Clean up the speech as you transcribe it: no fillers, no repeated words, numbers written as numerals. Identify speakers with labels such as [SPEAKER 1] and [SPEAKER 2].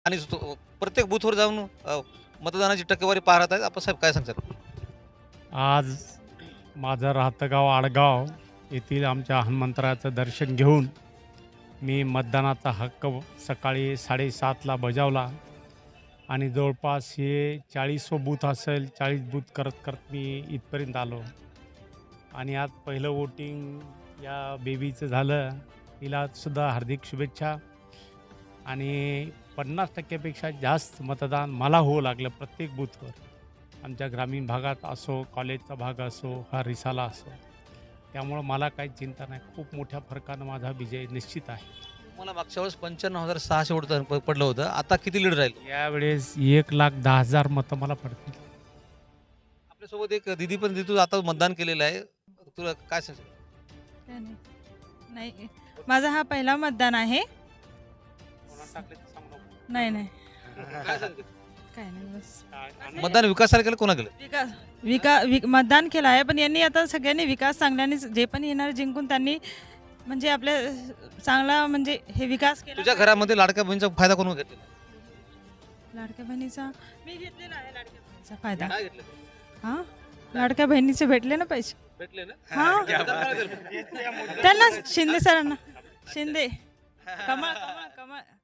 [SPEAKER 1] आणि प्रत्येक बूथवर जाऊन मतदानाची टक्केवारी पाहत आहेत. आपण साहेब काय सांगतात?
[SPEAKER 2] आज माझं राहतं गाव आडगाव येथील आमच्या हनुमंतराचं दर्शन घेऊन मी मतदानाचा हक्क सकाळी 7:30ला बजावला आणि जवळपास हे 40 बूथ असेल, 40 बूथ करत करत मी इथपर्यंत आलो. आणि आज पहिलं वोटिंग या बेबीचं झालं. तिलासुद्धा हार्दिक शुभेच्छा. आणि 50% जास्त मतदान मला होऊ लागलं प्रत्येक बूथवर. आमच्या ग्रामीण भागात असो, कॉलेजचा भाग असो, हा रिसाला असो. त्यामुळं मला काही चिंता नाही. खूप मोठ्या फरकानं माझा विजय निश्चित आहे.
[SPEAKER 1] मला मागच्या वेळेस 95,600 वोट पडलं होतं. आता किती लीड राहील?
[SPEAKER 2] यावेळेस 1,10,000 मतं मला पडतील.
[SPEAKER 1] आपल्यासोबत एक दिदी पण तू आता मतदान केलेलं आहे. तुला काय सांगशील?
[SPEAKER 3] काय नाही. नाही, माझा हा पहिला मतदान आहे. नाही नाही
[SPEAKER 1] काय सांगते?
[SPEAKER 3] काय नाही, बस
[SPEAKER 1] मतदान विकासाला केलं, कोणा केलं?
[SPEAKER 3] मतदान केलं आहे, पण यांनी आता सगळ्यांनी विकास चांगल्याने जे पण येणार जिंकून त्यांनी म्हणजे आपल्या चांगला म्हणजे हे विकास केला.
[SPEAKER 1] तुझ्या घरामध्ये लाडक्या बहिणीचा फायदा कोण घेतलेला?
[SPEAKER 3] लाडक्या बहिणीचा मी घेतलेला आहे. लाडक्या बहिणीचा फायदा
[SPEAKER 1] काय घेतलं?
[SPEAKER 3] हा, लाडक्या बहिणीचे भेटले ना पैसे.
[SPEAKER 1] भेटले ना?
[SPEAKER 3] हा, त्यांना शिंदे सरांना शिंदे कमळ कमळ कमळ